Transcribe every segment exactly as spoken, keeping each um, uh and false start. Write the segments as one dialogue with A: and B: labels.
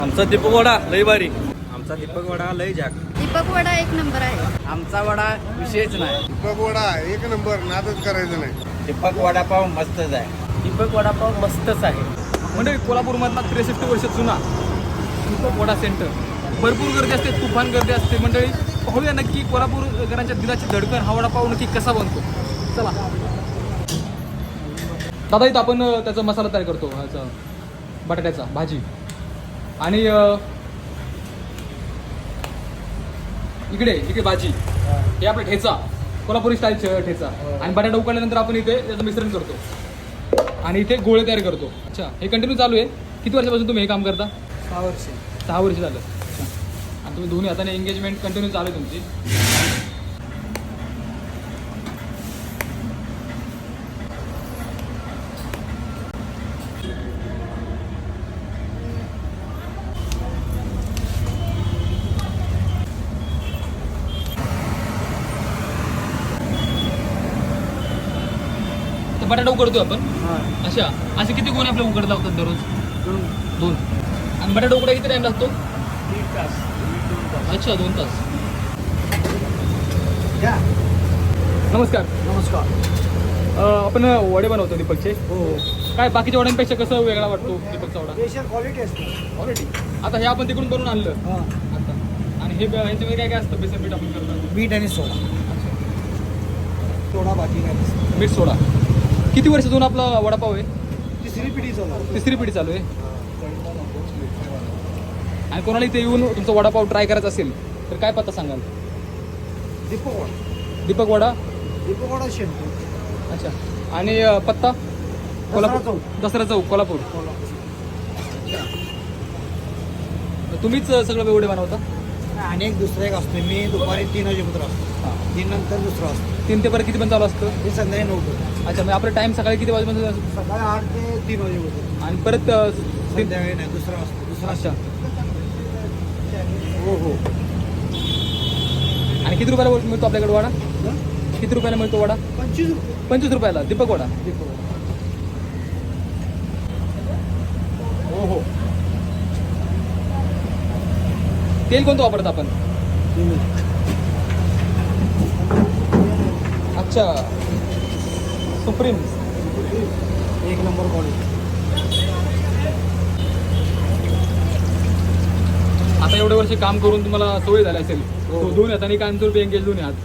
A: आमचा दीपक वडा लय भारी.
B: आमचा दीपक वडा लय जाग.
C: दीपक वडा एक नंबर आहे.
B: आमचा वडा विषयच नाही.
D: दीपक वडा एक नंबर, नादच करायचं नाही.
B: दीपक वडापाव मस्तच आहे.
A: दीपक वडापाव मस्तच आहे. म्हणजे कोल्हापूरमधला त्रेसष्ट वर्ष जुना दीपक वडा सेंटर. भरपूर गर्दी असते, तुफान गर्दी असते. मंडळी पाहूया नक्की कोल्हापूरकरांच्या दिलाची धडकन हा वडापाव नक्की कसा बनतो. चला दादा, इथं आपण त्याचा मसाला तयार करतो, ह्याचा बटाट्याचा भाजी. आणि इकडे इकडे भाजी, हे आपला ठेचा, कोल्हापुरी स्टाईल ठेचा. आणि बटाटा उकडल्यानंतर आपण इथे त्याचं मिश्रण करतो आणि इथे गोळे तयार करतो. अच्छा, हे कंटिन्यू चालू आहे. किती वर्षापासून तुम्ही हे काम करता?
B: सहा वर्ष.
A: सहा वर्ष झालं. अच्छा, आणि तुम्ही दोन्ही हाताने एंगेजमेंट कंटिन्यू चालू आहे तुमची. बटाटा उकडतो आपण. अच्छा, असे किती गोणे आपल्याला उकडत लागतात दररोज? दोन. आणि बटाटा उकडायला किती टाइम लागतो?
B: दीड तास.
A: अच्छा, दोन तास.
B: नमस्कार.
A: नमस्कार. आपण वडे बनवतो दीपकचे.
B: हो.
A: काय बाकीच्या वड्यांपेक्षा कसं वेगळा वाटतो दीपकचा वडा?
B: स्पेशल क्वालिटी असते.
A: क्वालिटी. आता हे आपण तिकडून बनवून आणलं आता. आणि हे ह्याच्यामध्ये काय काय असतं? बेसन पीठ आपण करतो.
B: मीठ आणि सोडा. सोडा बाकी काय?
A: मीठ सोडा. किती वर्ष जुना आपला वडापाव आहे?
B: तिसरी पिढी चालू.
A: तिसरी पिढी चालू आहे. आणि कोणाला इथे येऊन तुमचा वडापाव ट्राय करायचा असेल तर काय पत्ता सांगाल?
B: दीपक वडा.
A: दीपक वडा.
B: दीपक वडा शेंपू.
A: अच्छा. आणि अ, पत्ता? कोल्हापूर. दसरा चौक, कोल्हापूर. तुम्हीच सगळं वेवडे बनवता?
B: आणि एक दुसरा एक असतो. मी दुपारी तीन वाजेपर्यंत असतो.
A: हां.
B: तीन नंतर दुसरा असतो.
A: तीन ते पर्यंत किती पण चालू असतं?
B: हे संध्याकाळी नऊ पर्यंत.
A: अच्छा, मग आपला टाईम सकाळी किती वाजेपर्यंत असतो?
B: सकाळी आठ ते तीन वाजेपर्यंत.
A: आणि परत अ, तीन.
B: संध्याकाळी नाही, दुसरा असतो. दुसरा.
A: अच्छा.
B: हो हो.
A: आणि किती रुपयाला मिळतो आपल्याकडे वडा? किती रुपयाला मिळतो वडा?
B: पंचवीस रुपये.
A: पंचवीस रुपयाला दीपक वडा.
B: दीपक वडा.
A: हो हो. तेल कोणतं वापरत आपण? अच्छा, सुप्रीम.
B: एक नंबर क्वालिटी.
A: आता एवढे वर्ष काम करून तुम्हाला सवय झाली असेल.
B: हो.
A: दोन हाताने कायमचं रुपये एंगेज दोन्ही हात.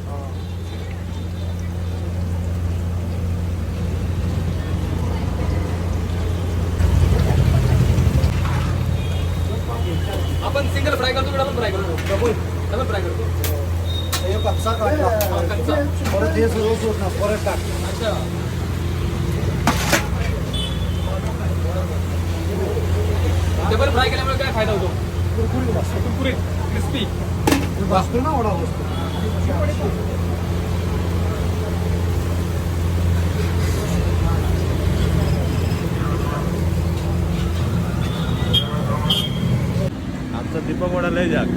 A: आपण सिंगल फ्राय करतो की डबल फ्राय करतो?
B: डबल.
A: डबल फ्राय करतो.
B: हे कच्चा काढला.
A: कच्चा.
B: परत हे सगळं सोडणार. परत टाक.
A: अच्छा. डबल फ्राय केल्यामुळे काय फायदा होतो?
B: कुरकुरीत असतो.
A: कुरकुरीत, क्रिस्पी.
B: बसतो ना वडा बसतो.
D: आमचा दीपक वडा लय जाग.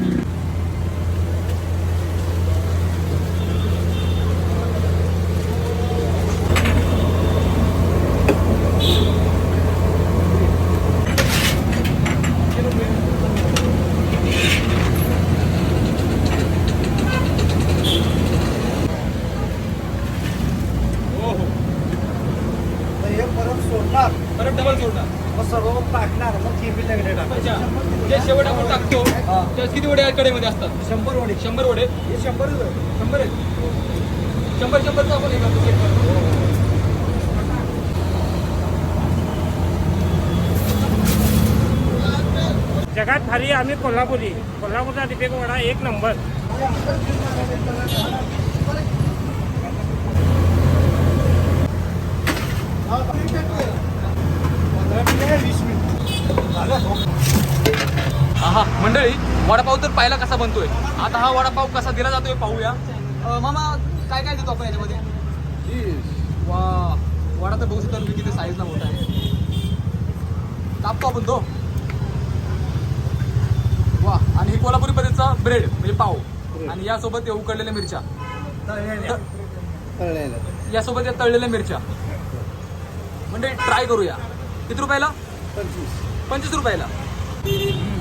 B: हे परत सोडणार.
A: परत डबल जोडणार.
B: मग सर्व टाकणार. मग केबी लगडे
A: अच्छा.
B: टाकायचं.
A: जे शेवट आपण टाकतो
B: हा.
A: त्यात किती वडे कडेमध्ये असतात?
B: शंभर वडे.
A: शंभर वडे.
B: हे शंभर
A: शंभर आहेत. शंभर शंभरचं आपण हे करतो, set करतो.
E: जगात भारी आम्ही कोल्हापुरी. कोल्हापूरचा दीपक वडा एक नंबर.
A: हा मंडळी, वडापाव तर पाहिला कसा बनतोय. आता हा वडापाव कसा दिला जातोय पाहूया. अ, मामा काय काय देतो आपण याच्यामध्ये? वा, वडा तर बघू शकता तुम्ही किती साईजला मोठा आहे. कापतो आपण तो. वा, आणि हे कोल्हापुरी पद्धतीचा ब्रेड म्हणजे पाव. आणि यासोबत हे उकडलेल्या मिरच्या. यासोबत या तळलेल्या मिरच्या. म्हणजे ट्राय करूया. किती रुपयाला?
B: पंचवीस.
A: पंचवीस रुपयाला.